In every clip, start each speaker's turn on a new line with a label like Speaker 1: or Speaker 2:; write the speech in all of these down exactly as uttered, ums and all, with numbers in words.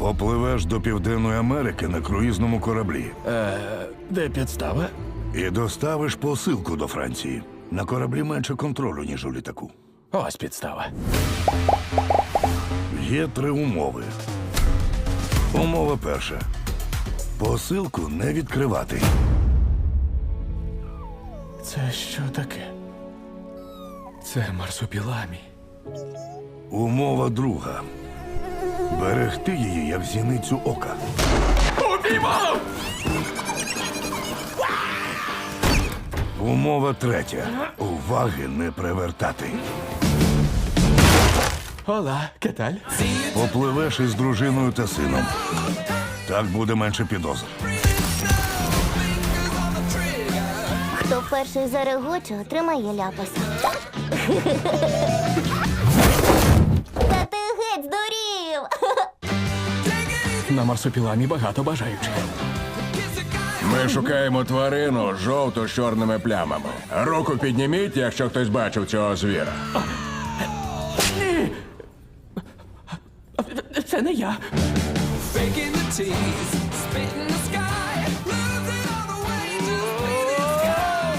Speaker 1: Попливеш до Південної Америки на круїзному кораблі
Speaker 2: Е, де підстава?
Speaker 1: і доставиш посилку до Франції. На кораблі менше контролю, ніж у літаку.
Speaker 2: Ось підстава.
Speaker 1: Є три умови. Умова перша. Посилку не відкривати.
Speaker 2: Це що таке? Це марсупіламі.
Speaker 1: Умова друга. Берегти її, як зіницю ока.
Speaker 2: Упіймав!
Speaker 1: Умова третя. Уваги не привертати.
Speaker 2: Ола, кеталь?
Speaker 1: Попливеш із дружиною та сином. Так буде менше підозр.
Speaker 3: Хто перший зарегоче, отримає ляпаса. Та ти геть здурів!
Speaker 2: На марсупіламі багато бажаючих.
Speaker 4: Ми шукаємо тварину з жовто-чорними плямами. Руку підніміть, якщо хтось бачив цього звіра.
Speaker 2: Ні! Це не я.
Speaker 5: Faking the tease, spitting the sky, losing all the way, just bleeding sky.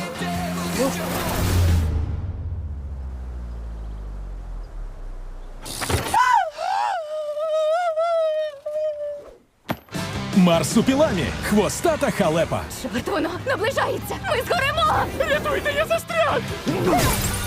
Speaker 6: Марсупіламі. Хвостата халепа.
Speaker 7: Чорт, воно наближається! Ми згоремо!
Speaker 2: Рятуйте, я застряг!